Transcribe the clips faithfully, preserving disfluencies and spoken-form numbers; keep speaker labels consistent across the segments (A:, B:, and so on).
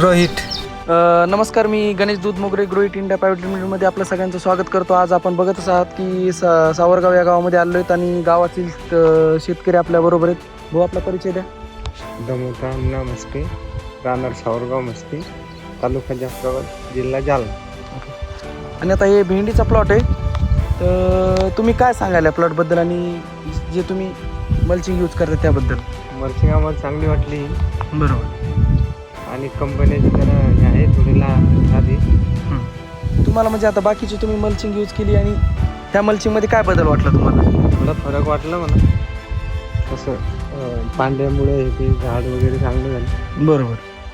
A: रोहित.
B: अ, नमस्कार, मी गणेश दूध मोगरे ग्रोहित इंडिया प्रायव्हेट लिमिटेडमध्ये आपलं सगळ्यांचं स्वागत करतो. आज आपण बघतच आहात की सा सावरगाव या गावामध्ये आलो आहेत आणि गावातील अ, शेतकरी आपल्याबरोबर आहेत. भाऊ, आपला परिचय द्या.
C: दमोतांना मस्के, राहणार सावरगाव मस्के, तालुका जाफराबाद, जिल्हा जालना.
B: आणि आता हे भेंडीचा प्लॉट आहे. तर तुम्ही काय सांगाल या प्लॉटबद्दल आणि जे तुम्ही मल्चिंग यूज करता त्याबद्दल?
C: मल्चिंग आम्हाला चांगली वाटली
B: बरोबर.
C: आणि कंपन्याची जरा हे आहे थोडी ला आधी.
B: तुम्हाला म्हणजे आता बाकीची तुम्ही मल्चिंग यूज केली आणि ह्या मल्चिंगमध्ये काय बदल वाटला तुम्हाला?
C: थोडा फरक वाटला म्हणा. तसं अं, पांढऱ्यामुळे हे ते झाड वगैरे चांगलं झालं.
B: बरोबर.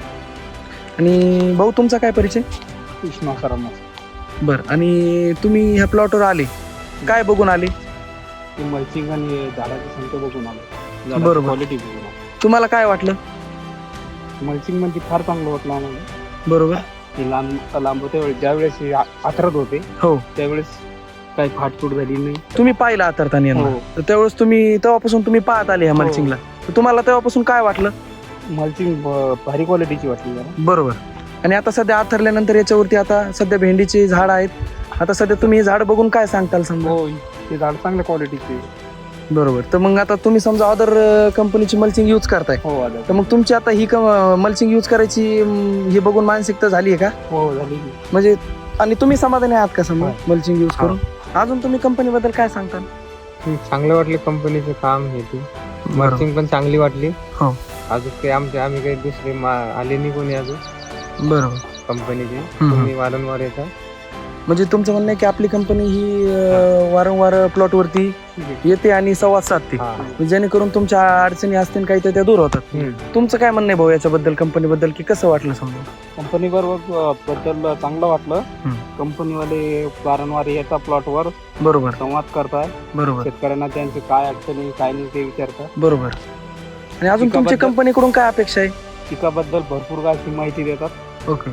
B: आणि भाऊ, तुमचा काय परिचय?
C: कृष्णा सरांना
B: बरं. आणि तुम्ही ह्या प्लॉटवर आले, काय बघून आले?
C: ते मल्चिंग आणि झाडाची संख्या बघून आलो.
B: बरोबर.
C: क्वालिटी बघून आलो.
B: तुम्हाला काय वाटलं?
C: मल्चिंग म्हणजे फार चांगलं वाटलं आम्हाला.
B: बरोबर.
C: ते लांब लांब होते वेळी ज्यावेळेस हे आ- आथरत होते
B: हो,
C: त्यावेळेस काही फाटफूट झाली नाही.
B: तुम्ही पाहिला आतरताना यांना.
C: हो.
B: तर त्यावेळेस तुम्ही तेव्हापासून तुम्ही पाहत आले ह्या
C: हो.
B: मल्चिंगला. तर तुम्हाला तेव्हापासून काय वाटलं?
C: मल्चिंग ब- भारी क्वालिटीची वाटली जरा.
B: बरोबर. आणि आता सध्या आथरल्यानंतर याच्यावरती आता सध्या भेंडीचे झाड आहेत. आता सध्या तुम्ही हे झाड बघून काय सांगताल समजा?
C: हो, ते झाड चांगल्या क्वालिटीचे.
B: बरोबर. तर मग आता तुम्ही समजा अदर कंपनीची मल्चिंग यूज करताय,
C: हो आलं.
B: तर मग तुमची आता ही मल्चिंग यूज करायची अं, हे बघून मानसिकता झाली आहे का?
C: हो झाली.
B: म्हणजे आणि तुम्ही समाधानी आहात का समजा
C: हो.
B: मल्चिंग यूज
C: हो.
B: करून? अजून तुम्ही कंपनीबद्दल काय सांगताल?
C: चांगलं वाटलं कंपनीचं काम हे ते. मल्चिंग पण चांगली वाटली.
B: हो.
C: अजून काही आमचे आम्ही काही दुसरे मा- आले नाही कोणी अजून
B: बरोबर.
C: कंपनीचे.
B: हम्म.
C: तुम्ही वारंवार येता.
B: म्हणजे तुमचं म्हणणं आहे की आपली कंपनी ही अं, वारंवार प्लॉटवरती येते आणि संवाद साधते,
C: हा.
B: जेणेकरून तुमच्या अडचणी असतील काही तर त्या दूर होतात.
C: हम्म.
B: तुमचं काय म्हणणं आहे भाऊ याच्याबद्दल, कंपनीबद्दल, की कसं वाटलं समजा?
D: कंपनी बरोबर बद्दल चांगलं वाटलं.
B: हम्म.
D: कंपनीवाले वारंवार येतात प्लॉटवर,
B: बरोबर.
D: संवाद करताय,
B: बरोबर.
D: शेतकऱ्यांना त्यांचे काय अडचणी काय नाही ते विचारतात.
B: बरोबर. आणि अजून तुमच्या
D: पिकाबद्दल-
B: कंपनीकडून काय अपेक्षा आहे?
D: पिकाबद्दल भरपूर अशी माहिती देतात.
B: ओके.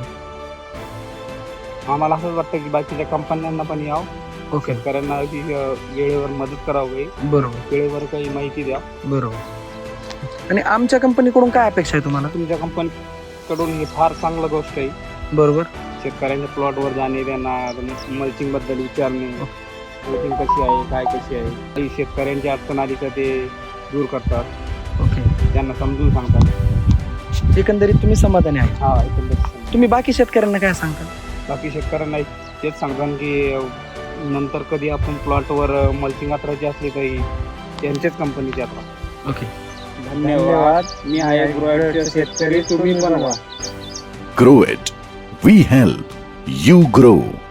D: आम्हाला असंच वाटतं की बाकीच्या कंपन्यांना पण यावं,
B: ओके.
D: शेतकऱ्यांना की, अं, वेळेवर मदत करावी,
B: बरोबर.
D: वेळेवर काही माहिती द्या.
B: बरोबर. आणि आमच्या कंपनीकडून काय अपेक्षा आहे तुम्हाला?
D: तुमच्या कंपनीकडून ही फार चांगलं गोष्ट आहे.
B: बरोबर.
D: शेतकऱ्यांच्या प्लॉटवर जाणे, त्यांना मल्चिंग बद्दल विचारणे, मल्चिंग कशी आहे, काय कशी आहे, काही शेतकऱ्यांची अडचण आली तर ते दूर करतात,
B: ओके.
D: त्यांना समजून सांगतात.
B: एकंदरीत तुम्ही समाधानी आहे.
D: हा एकंदरीत
B: तुम्ही बाकी शेतकऱ्यांना काय सांगता?
D: बाकी शेतकऱ्यांना तेच सांगतात की अं, नंतर कधी आपण प्लॉटवर मल्चिंग अत्राची असली तरी त्यांच्याच कंपनीची अत्रा.
B: ओके.
D: धन्यवाद. मी आहे ग्रोइटचे शेतकरी, तुम्ही पण व्हा.
E: Grow it. We help. You grow.